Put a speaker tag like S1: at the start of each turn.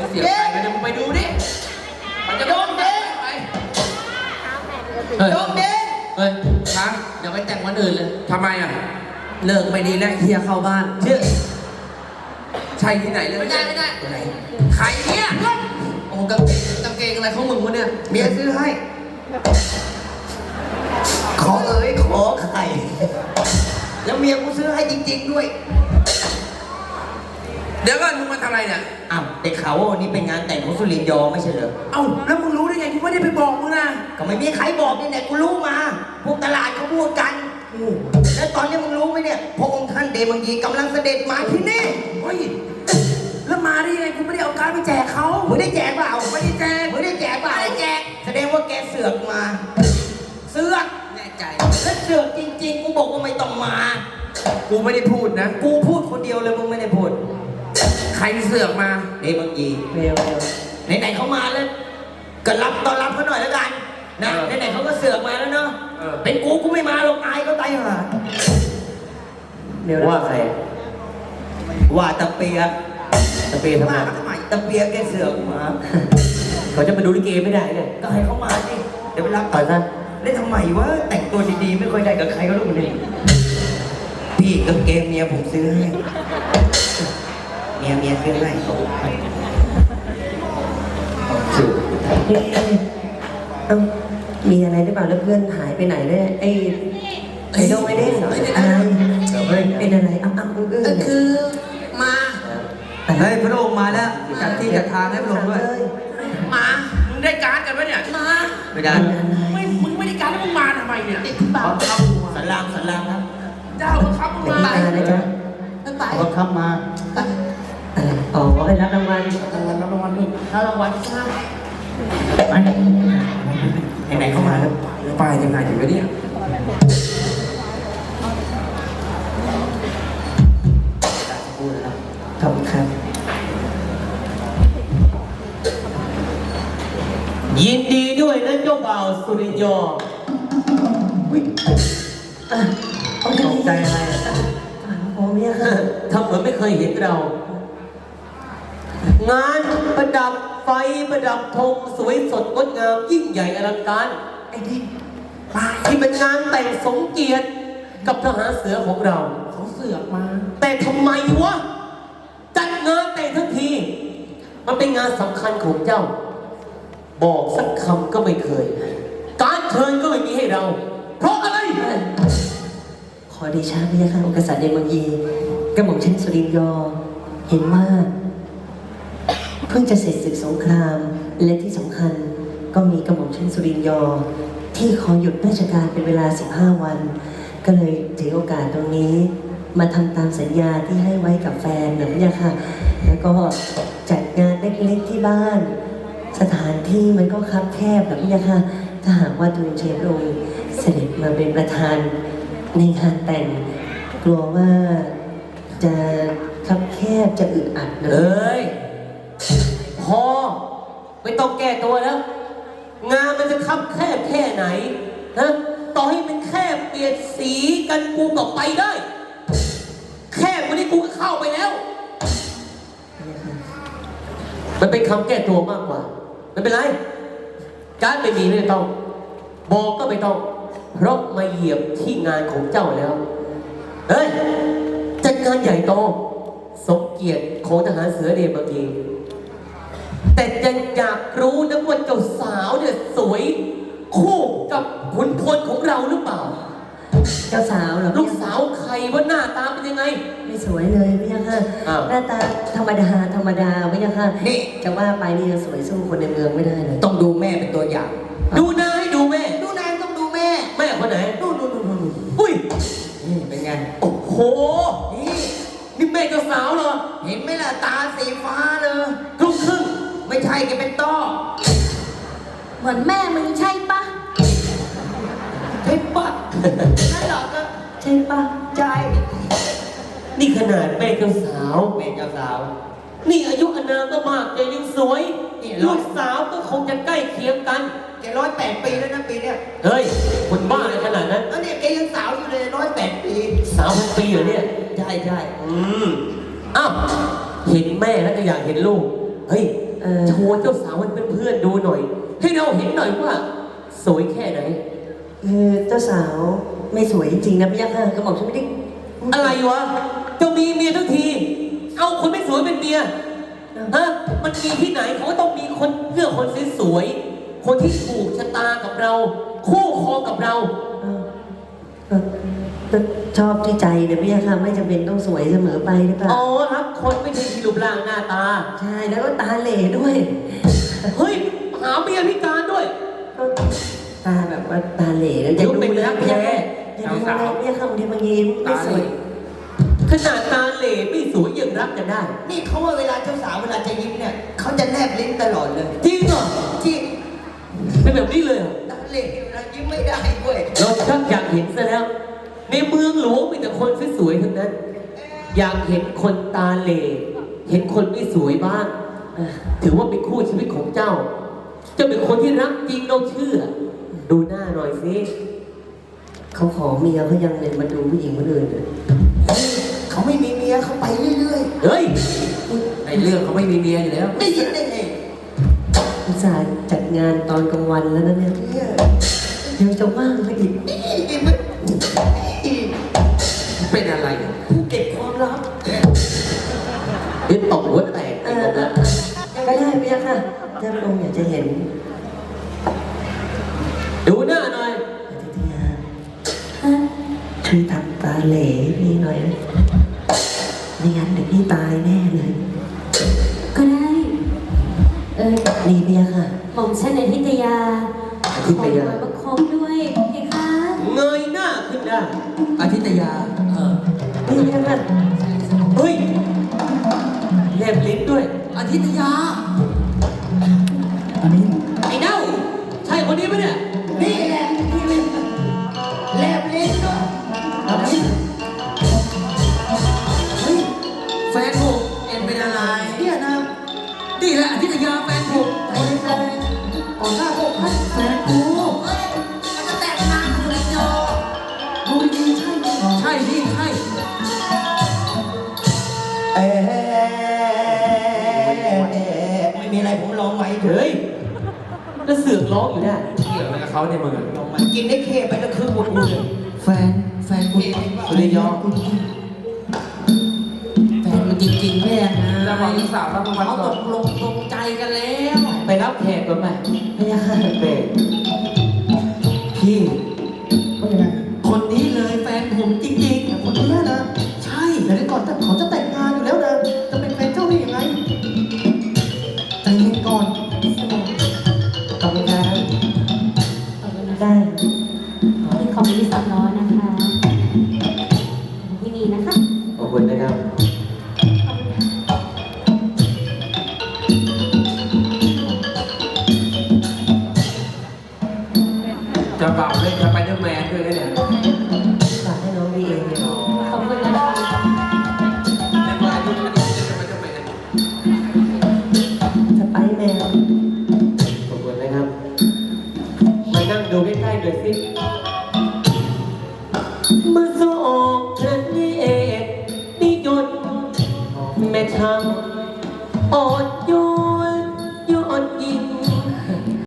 S1: เสียไปเดี๋ยวมึงไปดูดิมันจะโดนเด้ไปโดนเด้เฮ้ยช้างอย่าไปแต่งวันอื่นเลยทำไมอ่ะเลิกไม่ดีแล้วเฮียเข้าบ้านเชื่อใช่ที่ไหนเลยไม่ได้ไหนใครเนี่ยโอ้กางเกงอะไรของมึงวะเนี่ยเมียซื้อให้
S2: ขอไข่แล้วเมียกูซื้อให้จริงๆด้วย
S1: เดี๋ยวก่อนมึงมาทำอะไรเนี่ย
S2: อ้าวแต่เขาว่าวันนี้เป็นงานแต่งของสุรินทร์ยอไม่ใช่เหรอ
S1: เอ้าแล้วมึงรู้ได้ไงกูไม่ได้ไปบอกมึงนะ
S2: ก็ไม่มีใครบอกนี่แหละกูรู้มาพวกตลาดเขาพูดกันแล้วตอนนี้มึงรู้ไหมเนี่ยพระองค์ท่านเดมังยีกำลังเสด็จมาที่นี่
S1: เฮ้ยแล้วมาได้ยังไงกูไม่ได้เอาการ์ดไปแจกเขา
S2: มึงได้แจกเปล่า
S1: ไม่ได้แจก
S2: มึงได้แจกเปล่า
S1: ไม่ได้แจก
S2: แสดงว่าแกเสือกมาเสือก
S1: แน่ใจ
S2: แล้วเสือกจริงๆกูบอกว่าไม่ต้องมา
S1: กูไม่ได้พูดนะ
S2: กูพูดคนเดียวเลยมึงไม่ได้พูด
S1: ใครเสือกมา
S2: เดมังยีไหนๆเขามาแล้วก็รับต้อนรับเขาหน่อยแล้วกันนะไหนๆเขาก็เสือกมาแล้วเนาะเป็นกูไม่มาหรอกอายก็ตายห่าว่าใครว่าตะเปียทำไมตะเปียแกเสือกมา
S3: เขาจะมาดูลิเกไม่ได้เนี่ย
S2: ก็ให้เขามาสิเดี๋ยวไปรับ
S3: ไปซะ
S2: เล่นทำไมวะแต่งตัวดีๆไม่ค่อยได้กับใครก็รู้เลยพี่กางเกงเมียผมซื้อให้เมียซื้อให้
S4: มีอะไรหรือเปล่าแล้วเพื่อนหายไปไหนเลยไอ้โดงไอ้เด้งอะไรเป็นอะไรอ้ำ
S1: คือมา
S2: เฮ้ยพระองค์มาแล้วจัดที่จัดทางให้พระองค์ด้วย
S1: มามึงได้การ์ดกันปะเนี่ยมา
S2: ไม่ได้
S1: มึงไม่ได้การ์ดแล้วมึงมาทำไมเนี่ยติดปาก
S2: สันลามครับ
S1: เจ้าบังคับมึงมา
S4: อะไรจ๊ะ
S2: บังคับมา
S4: อ๋อให้รับรางวัล
S1: นี่รับรางวัลใช่
S2: ไหนเข้ามาแล้ว
S1: ไปยังไงถึงวะเนี่ย
S4: ขอบคุณครับ
S3: ยินดีด้วยนะเจ้าบ่าวสุริยอ
S4: ตกใจอะไรโอ้เนี่ยค่ะ
S3: ทำเหมือนไม่เคยเห็นเรา งานประดับไฟประดับธงสวยสดงดงามยิ่งใหญ่อลังการ
S4: ไอ้ดิ
S3: ที่เป็นงานแต่งสมเกียรติกับทหารเสือของเรา
S1: เขาเสือกมา
S3: แต่ทำไมวะจัดงานแต่งทั้งทีมันเป็นงานสำคัญของเจ้าบอกสักคำก็ไม่เคยการเชิญก็ไม่มีให้เราเพราะอะไร
S4: ขอเดชะพระยาค่ะองค์กษัตริย์เดมังยีกระหม่อมชั้นสุรินทร์ยอเห็นว่าเพิ่งจะเสร็จศึกสงครามและที่สำคัญก็มีกระหม่อมชั้นสุรินทร์ยอที่ขอหยุดราชการเป็นเวลา15 วันก็เลยถือโอกาสตรงนี้มาทำตามสัญญาที่ให้ไว้กับแฟนนะพระยาค่ะแล้วก็จัดงานเล็กๆที่บ้านสถานที่มันก็คับแคบนะพระยาค่ะถ้าหากว่าทูลเชฟองค์เสด็จมาเป็นประธานในงานแต่งกลัวว่าจะคับแคบจะอึดอัดนะ
S3: เอ้ยพอไม่ต้องแก้ตัวแล้วงานมันจะคับแคบแค่ไหนนะต่อให้มันแค่เปลี่ยนสีกันกูก็ไปได้แค่วันนี้กูก็เข้าไปแล้วมันเป็นคำแก้ตัวมากกว่าไม่เป็นไรการไม่มีไม่ต้องบอกก็ไม่ต้องเพราะมาเหยียบที่งานของเจ้าแล้วเฮ้ยจัดงานใหญ่โตสมเกียรติของทหารเสือเดมังยีแต่ยังอยากรู้นะว่าเจ้าสาวเนี่ยสวยคู่กับขุนพลของเราหรือเปล่า
S4: เจ้าสาวเหรอ
S3: ลูกสาวใครว่าหน้าตาเป็นยังไง
S4: ไม่สวยเลยพี่ยังค่ะหน้าตาธรรมดาพี่ยังค่ะ
S2: นี่
S4: จะว่าไปนี่ยังสวยสู้คนในเมืองไม่ได้เลย
S2: ต้องดูแม่เป็นตัวอย่าง
S3: ดูนายดูแม่
S2: ต้องดูแม่
S3: คนไหน
S2: ดู
S3: อุ้ย
S2: นี่เป็นไง
S3: โอ้โหนี่แม่เจ้าสาวเหรอ
S2: เห็นไหมล่ะตาสีฟ้าเลย
S3: ลูกครึ่ง
S2: ไม่ใช่แกเป็นต้อ
S5: เหมือนแม่มึงใช่ปะ
S2: ใช่ปะนั่นเหรอก็
S4: ใช่ปะ
S2: ใช่
S3: นี่ขนาดแม่เจ้าสาวนี่อายุอานามก็มากแต่ยังสวยลูกสาวก็คงจะใกล้เคียงกัน
S2: แก108 ปีแล้วนะปีเนี้ย
S3: เฮ้ยคนบ้าอะไรขนาดนั้น
S2: แล้วเนี่ยแกยังสาวอยู่เลย108 ปี
S3: สาวพันปีเหรอเนี่ย
S2: ใช่
S3: อ้าวเห็นแม่แล้วก็อยากเห็นลูกเฮ้ยโชว์เจ้าสาวให้เพื่อนๆดูหน่อย ให้เราเห็นหน่อยว่าสวยแค่ไหน
S4: เจ้าสาวไม่สวยจริงๆนะพี่ยักษ์ค่ะกระหม่อมฉันไม่ได้
S3: อะไรวะเจ้ามีเมียทั้งที เอาคนไม่สวยเป็นเมียฮะมันมีที่ไหนเขาก็ต้องมีคนเลือกคนสวยๆคนที่ถูกชะตากับเรา คู่ครองกับเรา
S4: ก็ชอบที่ใจเนี่ยพี่ยักษ์ค่ะไม่จำเป็นต้องสวยเสมอไปหรือเปล่า
S3: อ๋อรักคนไม่ใช่ที่รูปร่างหน้าตา
S4: ใช่แล้วก็ตาเหล่ด้วย
S3: เฮ้ยหาเมียพิการด้วย
S4: ก็ตาแบบว่าตาเหล่แล้วจะดูแล้วพี่ยักษ์อย่าดูนะพี่ยักษ์ค่ะบางทีบางทีไม่สวย
S3: ขนาดตาเหล่ไม่สวยยังรักกันได้
S2: นี่เขาว่าเวลาเจ้าสาวเวลาจะยิ้มเนี่ยเขาจะแนบลิ้นตลอดเลย
S3: จริงเหรอ
S2: จริง
S3: เป็นแบบนี้เลยเหรอ
S2: ตาเหล่เวลายิ้มไม่ได้ด้วย
S3: เราชักอยากเห็นซะแล้ว ในเมืองหลวงมีแต่คนสวยๆทั้งนั้น อยากเห็นคนตาเหล่เห็นคนไม่สวยบ้างถือว่าเป็นคู่ชีวิตของเจ้า เจ้าเป็นคนที่รักจริงเราเชื่อ ดูหน้าหน่อยสิ
S4: เขาขอเมียเขายังเลยมาดูผู้หญิงคนอื่นเลย
S2: เขาไม่มีเมียเขาไปเรื่อย
S3: เฮ้ย
S1: ในเรื่องเขาไม่มีเมียอยู่แล้ว
S2: ๆได้ยินได้ไง
S4: อุตส่าห์จัดงานตอนกลางวันแล้วนะเนี่ย
S2: เนี่ย
S4: ยังจะว่างไม่อีก
S2: นี่มัน
S1: เป็นอะไร
S2: ผู้เก็บความลับ
S3: เดี๋ยวตบหัวแตก
S4: เอ
S3: ไอ้
S4: อ
S3: ผม
S4: ก็ได้พี่ยักษ์ค่ะถ้าพระองค์อยากจะเห็น
S3: ดูหน้าหน่อย
S4: อธิตยาช่วยทำตาเหล่ให้พี่หน่อยนะไม่งั้นเดี๋ยวพี่ตายแน่เลย
S5: ก็ได้
S4: นี่พี่ยักษ์ค่ะ
S5: หม่อมฉันในทิตยา
S3: อธิตยา
S5: ขอประคองด้วยเพคะ
S3: เงยหน้าขึ้นได้
S1: อาทิตยา
S4: นี่พี่ยักษ์ค่ะ
S3: เฮ้ยแลบลิ้นด้วย
S1: อาทิตยา
S4: อันนี้
S3: ไอ้เน่าใช่คนนี้ไหมเนี่ย
S2: นี่แหละนี่แหละแลบลิ้นด้วย
S4: อันนี้
S1: เฮ้ย แฟนผมเอ็นเป็นอะไร
S2: เนี่ยนะ
S1: นี่แหละอาทิตยาแฟนผม
S2: ไอ้แฟนก่อนหน้าพวกพัดแฟนกู
S1: เฮ้ยมันจะแต่งงานกับสุริยอ
S2: ดูดีใช่ไหม
S1: ใช่พี่ใช่
S2: ไม่มีอะไรผมลองไว้เถ
S3: เฮ้
S2: อะ
S3: ยแล้วเสือกร้องอยู่ได้
S1: เกี่ยวอะไรกับเขาในยมึงอะ
S2: ลองมันกินได้เข้ไปแล้วคือหมดเลย
S1: แฟนคุณสุริยอแฟนมันจริงๆแม่นะแล้วบอกลูกสาวแล้วเขาตกลงตรงใจกันแล้ว
S3: ไปรับแขกก่อนไหม
S4: พี่ยักษ์ค่ะ
S3: เปรพี่
S2: ว่ายังไง
S1: คนนี้เลยแฟนผมจริง
S2: คนนี้นะ
S1: ๆ ใช่
S2: แต่ก่อนเขาจะแต่งงานอยู่แล้วนะ จะเป็นแฟนเจ้าได้ยังไงใจเย็นก่อน
S4: ขอบคุณครับ
S5: ขอบคุณนะ
S4: ได้
S5: ที่ขอบคุณที่สอนน้อยนะคะที่นี่นะคะ
S3: ขอบคุณนะครับ
S1: จะเป่าเล่นสไปเดอร์แมนด้วยนะเนี่ย
S4: ฝากให้น้องวีเองเนี่ย
S5: ขอบคุณนะคะ
S1: เล่นว่าอายุมันเล่นสไปเดอร์แมน
S4: สไปซ์แมน
S3: ขอบคุณนะครับ มานั่งดูใกล้ๆหน่อยสิ